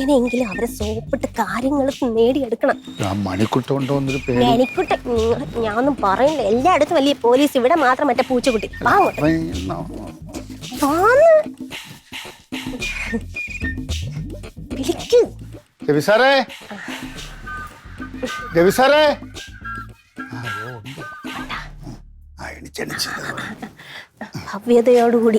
എങ്ങനെയെങ്കിലും അവരെ സോപ്പിട്ട് കാര്യങ്ങൾ നേടിയെടുക്കണം. മണിക്കുട്ട ഞാൻ ഒന്നും പറയില്ല. എല്ലായിടത്തും വലിയ പോലീസ്, ഇവിടെ മാത്രം മറ്റേ പൂച്ചക്കുട്ടി. ഭവ്യതയോടുകൂടി.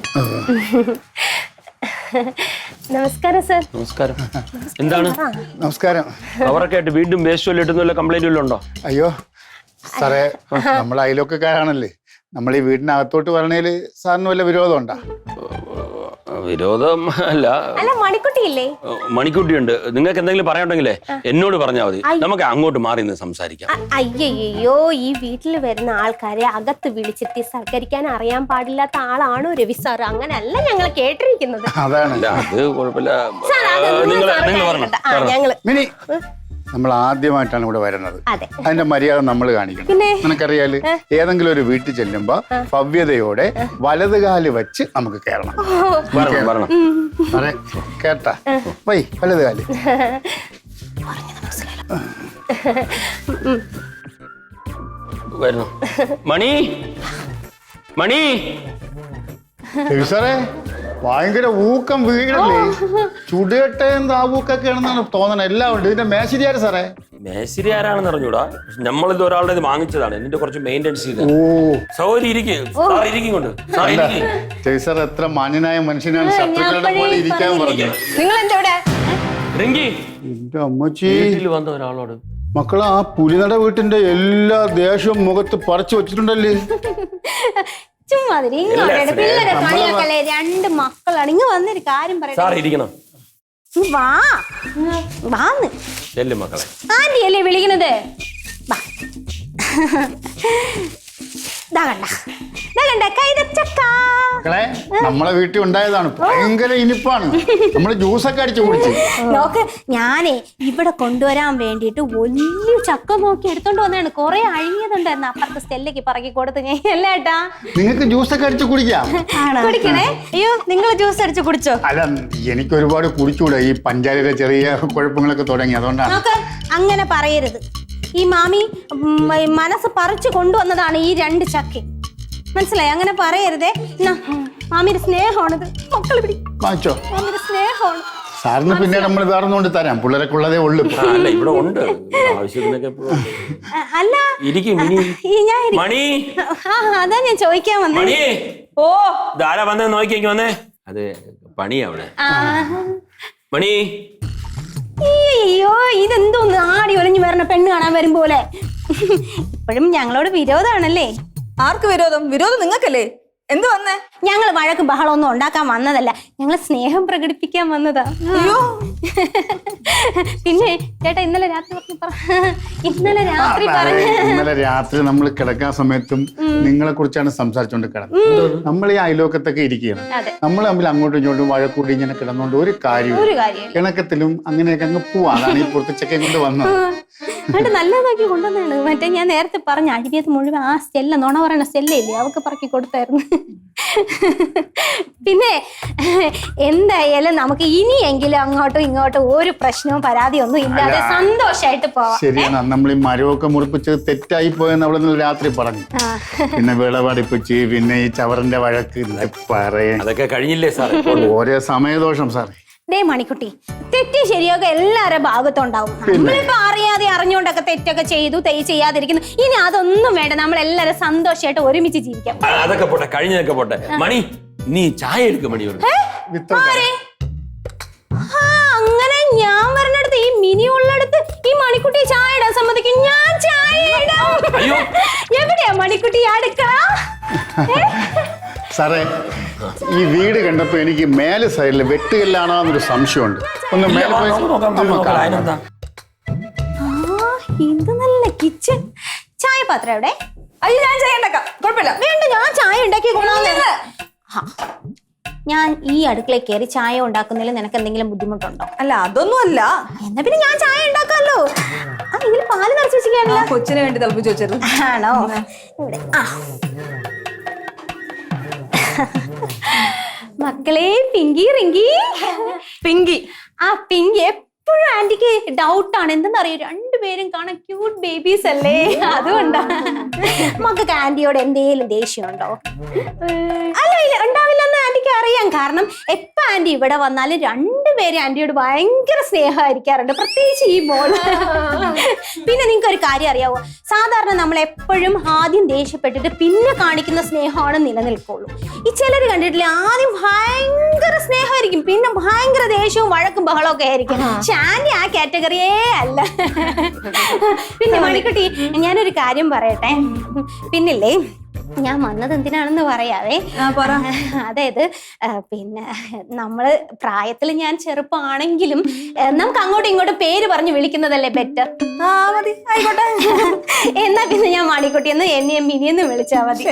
നമസ്കാരം സർ. നമസ്കാരം. എന്താണ്? നമസ്കാരം. അവരൊക്കെ ആയിട്ട് വീണ്ടും വേസ്റ്റ് ഇട്ടുന്ന കംപ്ലൈന്റ് വല്ലതും ഉണ്ടോ? അയ്യോ സാറേ, നമ്മൾ അയലൊക്കെക്കാരാണല്ലേ. നമ്മൾ ഈ വീടിനകത്തോട്ട് വരണേല് സാറിന് വല്ല വിരോധം ഉണ്ടോ? വിരോധം അല്ല. മണിക്കുട്ടിയില്ലേ? മണിക്കുട്ടിയുണ്ട്. നിങ്ങൾക്ക് എന്തെങ്കിലും പറയാനുണ്ടെങ്കിലേ എന്നോട് പറഞ്ഞാൽ മതി. നമുക്ക് അങ്ങോട്ട് മാറി നിന്ന് സംസാരിക്കാം. അയ്യോ, ഈ വീട്ടിൽ വരുന്ന ആൾക്കാരെ അകത്ത് വിളിച്ചിട്ട് സൽക്കരിക്കാൻ അറിയാൻ പാടില്ലാത്ത ആളാണോ രവി സാർ? അങ്ങനെയല്ല ഞങ്ങൾ കേട്ടിരിക്കുന്നത്. അതാണ്. അത് കുഴപ്പമില്ല. മിനി, നമ്മൾ ആദ്യമായിട്ടാണ് ഇവിടെ വരുന്നത്. അതിന്റെ മര്യാദ നമ്മൾ കാണിക്കണം. നിനക്കറിയാല്, ഏതെങ്കിലും ഒരു വീട്ടിൽ ചെല്ലുമ്പോ ഭവ്യതയോടെ വലതുകാല് വെച്ച് നമുക്ക് കയറണം. കേട്ടാ? വൈ വലതുകാല്. മണി മണി സാറേ, ഭയങ്കര ഊക്കം വീടല്ലേ? ചുടുകട്ടയും താവൂക്കൊക്കെയാണെന്നാണ് തോന്നണത്. എല്ലാം ഉണ്ട്. ഇതിന്റെ മേശിരി ആര് സാറേ? മേശിരി ആരാണെന്ന് അറിഞ്ഞൂടാ. നമ്മളിത് ഒരാളുടെ ഇത് വാങ്ങിച്ചതാണ്. എന്നിട്ട് കുറച്ച് മെയിൻ്റെനൻസ് ചെയ്ത്. സാർ എത്ര മാന്യനായ മനുഷ്യനാണ്. ശത്രുക്കളുടെ പോലെ ഇരിക്കാൻ പറഞ്ഞത്. എന്റെ അമ്മച്ചി, വന്ന ഒരാളോട് മക്കളെ ആ പുലിനട വീട്ടിന്റെ എല്ലാ ദേഷ്യവും മുഖത്ത് പറിച്ചു വെച്ചിട്ടുണ്ടല്ലേ? രണ്ട് മക്കളാണ്. ഇങ്ങ് വന്നൊരു കാര്യം പറയാം. ആന്റിയല്ലേ വിളിക്കണത്? നമ്മളെ വീട്ടിൽ ഉണ്ടായതാണ്. ഭയങ്കര ഇനിപ്പാണ്. നമ്മള് ജ്യൂസൊക്കെ അടിച്ചു കുടിച്ചു. നോക്ക്, ഞാനേ ഇവിടെ കൊണ്ടുവരാൻ വേണ്ടിട്ട് വലിയ ചക്ക നോക്കി എടുത്തോണ്ട് വന്നാണ്. കൊറേ അഴിഞ്ഞതുണ്ടായിരുന്നു. അപ്പുറത്തെ സ്റ്റെല്ലയ്ക്ക് പറക്കി കൊടുത്തു ഞാൻ. അല്ലേട്ടാ, നിങ്ങൾക്ക് ജ്യൂസൊക്കെ അടിച്ചു കുടിക്കാം. കുടിക്കണേ? അയ്യോ, നിങ്ങൾ ജ്യൂസ് അടിച്ചു കുടിച്ചോ? അല്ല, എനിക്ക് ഒരുപാട് കുടിച്ചുകൂടെ. ഈ പഞ്ചായത്തിലെ ചെറിയ കുഴപ്പങ്ങളൊക്കെ തുടങ്ങി, അതുകൊണ്ടാണ്. അങ്ങനെ പറയരുത്. ഈ മാമി മനസ്സ് പറിച്ചു കൊണ്ടുവന്നതാണ് ഈ രണ്ട് ചക്ക. മനസ്സിലായി? അങ്ങനെ പറയരുതേ. മാമിയുടെ സ്നേഹമാണിത്. മക്കൾ പിടി. വാങ്ങിച്ചോ. മാമിയുടെ സ്നേഹമാണ്. സാറിന് പിന്നെ നമ്മൾ വേറൊന്നുകൊണ്ട് തരാം. പിള്ളേരൊക്കെ ഉള്ളതേ ഉള്ളു. ഇവിടെ ഉണ്ട്. അല്ല, അതാ ഞാൻ ചോദിക്കാൻ വന്നേ. ഓ, ധാരാ വന്നേ, നോക്കിയേക്ക് വന്നേ. അത് പണിയാ അവിടെ. മണി, അയ്യോ, ഇതെന്തോന്ന് ആടി ഒളിഞ്ഞു വരണ പെണ്ണ് കാണാൻ വരും പോലെ. ഇപ്പോഴും ഞങ്ങളോട് വിരോധമാണല്ലേ? ആർക്ക് വിരോധം? വിരോധം നിങ്ങൾക്കല്ലേ. എന്ത് വന്നേ? ഞങ്ങൾ വഴക്കും ബഹളമൊന്നും ഉണ്ടാക്കാൻ വന്നതല്ല. ഞങ്ങൾ സ്നേഹം പ്രകടിപ്പിക്കാൻ വന്നതാ. അയ്യോ, പിന്നെ ചേട്ടാ, ഇന്നലെ രാത്രി ഇന്നലെ രാത്രി നമ്മൾ കിടക്കാൻ സമയത്തും നിങ്ങളെ കുറിച്ചാണ് സംസാരിച്ചോണ്ട് കിടന്നത്. നമ്മൾ ഈ അയലോക്കത്തൊക്കെ ഇരിക്കുകയാണ്. നമ്മൾ തമ്മിൽ അങ്ങോട്ടും ഇങ്ങോട്ടും വഴക്കൂടി ഇങ്ങനെ കിടന്നുകൊണ്ട് ഒരു കാര്യവും ഇണക്കത്തിലും അങ്ങനെയൊക്കെ അങ്ങ് പോവാ. അതാണ് ഈ പുറത്തുച്ചക്കെ കൊണ്ട് വന്നത്. നല്ലതാക്കി കൊണ്ടുവന്നാണ്. മറ്റേ ഞാൻ നേരത്തെ പറഞ്ഞ അഴിവിയത് മുഴുവൻ ആ സ്റ്റെല്ല, നുണ പറയണ സ്റ്റെല്ലയില്ലേ, അവർക്ക് പറക്കി കൊടുത്തായിരുന്നു. പിന്നെ എന്തായാലും നമുക്ക് ഇനിയെങ്കിലും അങ്ങോട്ടും ഇങ്ങോട്ടും ഒരു പ്രശ്നവും പരാതിയൊന്നും ഇല്ലാതെ സന്തോഷമായിട്ട് പോവാം. ശരിയാണ്. നമ്മൾ ഈ മരമൊക്കെ മുറിപ്പിച്ച് തെറ്റായി പോയെന്ന് അവളെ രാത്രി പറഞ്ഞു. പിന്നെ വിളവടിപ്പിച്ച്, പിന്നെ ഈ ചവറിന്റെ വഴക്ക് അതൊക്കെ കഴിഞ്ഞില്ലേ സാർ? ഓരോ സമയദോഷം സാറേ. ഡേ മണിക്കുട്ടി, തെറ്റി ശരിയൊക്കെ എല്ലാവരുടെ ഭാഗത്തുണ്ടാവും. നമ്മളിപ്പോ അറിയാതെ അറിഞ്ഞുകൊണ്ടൊക്കെ തെറ്റൊക്കെ ചെയ്തു, ചെയ്യാതിരിക്കുന്നു. ഇനി അതൊന്നും വേണ്ട. നമ്മളെല്ലാരും സന്തോഷമായിട്ട് ഒരുമിച്ച് ജീവിക്കാം. അതൊക്കെ പോട്ടെ, കഴിഞ്ഞതൊക്കെ പോട്ടെ. മണി, നീ ചായ എടുക്കും. മണി, അങ്ങനെ ഞാൻ വരണടുത്ത് ഈ മിനി ഉള്ളടുത്ത് ഈ മണിക്കുട്ടി ചായ ഇടാൻ സമ്മതിക്കും. ഞാൻ ചായ ഇടാം. എവിടെയാ മണിക്കുട്ടി അടുക്കള? സാറേ, ഈ വീട് കണ്ടപ്പോ എനിക്ക് മേലെ സൈഡിൽ വെട്ടുകല്ലാണോ എന്നൊരു സംശയമുണ്ട്. ഒന്ന് മേലെ പോയി. ഇത് നല്ല കിച്ചൺ. ചായ പാത്രം എവിടെ? അയ്യോ, ഞാൻ ചായ ഉണ്ടാക്കാം. കുഴപ്പമില്ല. വേണ്ട, ഞാൻ ചായ ഉണ്ടാക്കി കൊള്ളാം. ഞാൻ ഈ അടുക്കളയിൽ കയറി ചായ ഉണ്ടാക്കുന്നതിൽ നിനക്ക് എന്തെങ്കിലും ബുദ്ധിമുട്ടുണ്ടോ? അല്ല, അതൊന്നും അല്ല. എന്നാ പിന്നെ ഞാൻ ചായ ഉണ്ടാക്കാമല്ലോ. ഇതിൽ പാല് നിറച്ച് വെച്ചിരിക്കാണല്ലോ. കൊച്ചിന് വേണ്ടി തിളപ്പിച്ച് വെച്ചത് ആണോ? ഇവിടെ മക്കളെ, പിങ്കി റിങ്കി. പിങ്കി. ആ പിങ്കി എപ്പോഴും ആന്റിക്ക് ഡൗട്ടാണ്. എന്തെന്നറിയോ, രണ്ടുപേരും കാണാൻ ക്യൂട്ട് ബേബീസ് അല്ലേ, അതുകൊണ്ടാ. മക്കൾക്ക് ആന്റിയോട് എന്തേലും ദേഷ്യമുണ്ടോ? അല്ല, ഇല്ല, ഉണ്ടാവില്ലെന്ന് ആന്റിക്ക് അറിയാം. കാരണം എപ്പോ ആന്റി ഇവിടെ വന്നാലും രണ്ടുപേരും ആന്റിയോട് ഭയങ്കര സ്നേഹമായിരിക്കാറുണ്ട്, പ്രത്യേകിച്ച് ഈ മോള്. പിന്നെ നിങ്ങൾക്ക് ഒരു കാര്യം അറിയാവോ, സാധാരണ നമ്മൾ എപ്പോഴും ആദ്യം ദേഷ്യപ്പെട്ടിട്ട് പിന്നെ കാണിക്കുന്ന സ്നേഹമാണ് നിലനിൽക്കുള്ളൂ. ഈ ചിലർ കണ്ടിട്ടില്ലേ, ആദ്യം ഭയങ്കര സ്നേഹമായിരിക്കും, പിന്നെ ഭയങ്കര ദേഷ്യവും വഴക്കും ബഹളവും ഒക്കെ ആയിരിക്കും. പക്ഷെ ആന്റി ആ കാറ്റഗറിയേ അല്ല. പിന്നെ മണിക്കുട്ടി, ഞാനൊരു കാര്യം പറയട്ടെ. പിന്നില്ലേ, ഞാൻ വന്നത് എന്തിനാണെന്ന് പറയാവേ. അതായത് പിന്നെ നമ്മള് പ്രായത്തിൽ ഞാൻ ചെറുപ്പമാണെങ്കിലും നമുക്ക് അങ്ങോട്ടും ഇങ്ങോട്ടും പേര് പറഞ്ഞ് വിളിക്കുന്നതല്ലേ ബെറ്റർ. ആയിക്കോട്ടെ. എന്നാ പിന്നെ ഞാൻ മണിക്കുട്ടി എന്ന് എന്നെയും മിനിയെന്ന് വിളിച്ചാ മതി.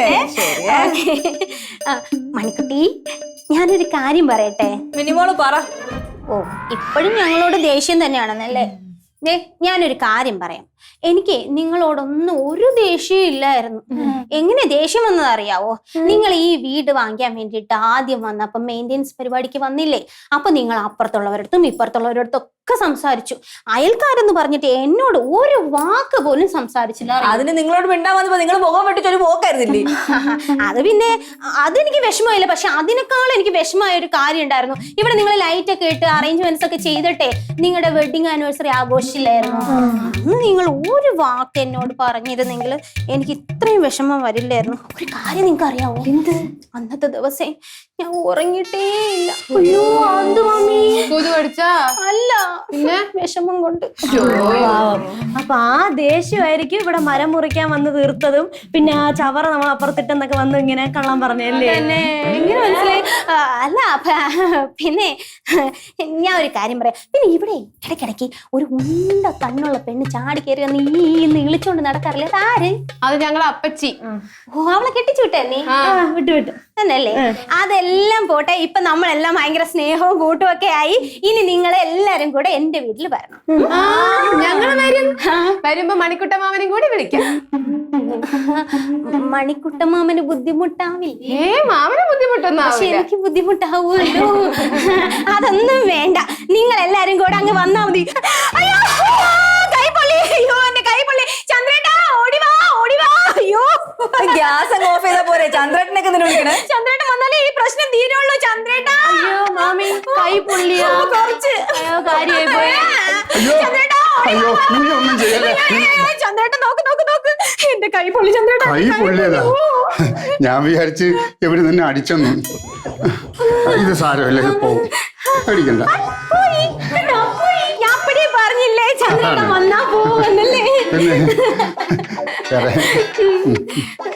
മണിക്കുട്ടി, ഞാനൊരു കാര്യം പറയട്ടെ. മിനിമോള് പറ. ഓ, ഇപ്പോഴും ഞങ്ങളോട് ദേഷ്യം തന്നെയാണെന്നല്ലേ? ഞാനൊരു കാര്യം പറയാം. എനിക്ക് നിങ്ങളോടൊന്നും ഒരു ദേഷ്യവും ഇല്ലായിരുന്നു. എങ്ങനെ ദേഷ്യം വന്നത് അറിയാവോ? നിങ്ങൾ ഈ വീട് വാങ്ങിക്കാൻ വേണ്ടിയിട്ട് ആദ്യം വന്നപ്പോ മെയിൻ്റെനൻസ് പരിപാടിക്ക് വന്നില്ലേ, അപ്പൊ നിങ്ങൾ അപ്പുറത്തുള്ളവരടുത്തും ഇപ്പുറത്തുള്ളവരടുത്തും ഒക്കെ സംസാരിച്ചു. അയൽക്കാരെന്ന് പറഞ്ഞിട്ട് എന്നോട് ഒരു വാക്ക് പോലും സംസാരിച്ചില്ല. അതിന് നിങ്ങളോട് മിണ്ടാൻ വന്നപ്പോ നിങ്ങൾ മുഖം വെട്ടിട്ട് ഒരു പോക്കായിരുന്നില്ലേ? അത് പിന്നെ അതെനിക്ക് വിഷമമില്ല. പക്ഷെ അതിനേക്കാൾ എനിക്ക് വിഷമമായ ഒരു കാര്യം ഉണ്ടായിരുന്നു. ഇവിടെ നിങ്ങൾ ലൈറ്റ് ഒക്കെ ഇട്ട് അറേഞ്ച്മെന്റ്സ് ഒക്കെ ചെയ്തിട്ടെ നിങ്ങളുടെ വെഡിങ് ആനിവേഴ്സറി ആഘോഷിച്ചില്ലായിരുന്നു. അന്ന് നിങ്ങൾ ഒരു വാക്ക് എന്നോട് പറഞ്ഞിരുന്നെങ്കിൽ എനിക്ക് ഇത്രയും വിഷമം വരില്ലായിരുന്നു. ഒരു കാര്യം നിങ്ങൾക്ക് അറിയാവോ? എന്ത്? അന്നത്തെ ദിവസം ഞാൻ ഉറങ്ങിയിട്ടേ ഇല്ല. അയ്യോ, അത് മമ്മി അല്ല, പിന്നെ വിഷമം കൊണ്ട്. അപ്പൊ ആ ദേഷ്യമായിരിക്കും ഇവിടെ മരം മുറിക്കാൻ വന്ന് തീർത്തതും പിന്നെ ആ ചവറ നമ്മൾ അപ്പുറത്തിട്ടെന്നൊക്കെ വന്ന് ഇങ്ങനെ കള്ളം പറഞ്ഞല്ലേ? എങ്ങനെ മനസ്സിലായി? അല്ല, പിന്നെ ഞാൻ ഒരു കാര്യം പറയാം. പിന്നെ ഇവിടെ ഇടയ്ക്കിടയ്ക്ക് ഒരു ഉണ്ട കണ്ണുള്ള പെണ്ണ് ചാടി കയറി വന്ന് ഈ ഇളിച്ചോണ്ട് നടക്കാറില്ല. അതാര്? അത് ഞങ്ങളെ അപ്പച്ചി. ഓ, അവളെ കെട്ടിച്ചു വിട്ടേ? വിട്ടു തന്നെയല്ലേ? അതെല്ലാം പോട്ടെ. ഇപ്പൊ നമ്മളെല്ലാം ഭയങ്കര സ്നേഹവും കൂട്ടും ഒക്കെ ആയി. ഇനി നിങ്ങൾ എല്ലാരും കൂടെ എന്റെ വീട്ടിൽ വരണം. ഞങ്ങൾ വരും. വരുമ്പോ മണിക്കുട്ടമാമനും കൂടി വിളിക്കാം. മണിക്കുട്ടമാമന് ബുദ്ധിമുട്ടാവില്ലേ? മാമന് ബുദ്ധിമുട്ടൊന്നും പക്ഷെ എനിക്ക് ബുദ്ധിമുട്ടാവുമല്ലോ. അതൊന്നും വേണ്ട, നിങ്ങൾ എല്ലാരും കൂടെ അങ്ങ് വന്നാ മതി. അയ്യോ, കൈപ്പൊള്ളി! അയ്യോ, എന്റെ കൈപ്പൊള്ളി! ചന്ദ്രേട്ടാ, ഓടിവാ, ഓടിവാ! അയ്യോ, ഗ്യാസ് അങ്ങ് ഓഫ് ചെയ്താ പോരെ? ചന്ദ്രേട്ടനൊക്കെ വിളിക്കണേ. ചന്ദ്രേട്ടൻ വന്നാലേ ഈ പ്രശ്നം തീരുള്ളൂ. ചന്ദ്രേട്ടാ! അയ്യോ മാമി, കൈ പൊള്ളിയോ? കുറച്ച് കാര്യമായി പോയി. ചന്ദ്രേട്ടാ, അയ്യോ, നീ ഒന്നും ചെയ്യല്ലേ. ചന്ദ്രേട്ടൻ നോക്ക് നോക്ക് നോക്ക്, എന്റെ കൈ പൊള്ളി. ചന്ദ്രേട്ടാ, കൈ പൊള്ളിയതാ. ഞാൻ വിചാരിച്ച് എവിടെ നിന്ന് അടിച്ചെന്നു. ഇത് സാരമല്ലേ, പോകും, അടിക്കണ്ട. ഞാൻ അപ്പഴേ പറഞ്ഞില്ലേ ചന്ദ്രേട്ടൻ വന്നാ പോവന്നല്ലേ? പിന്നെ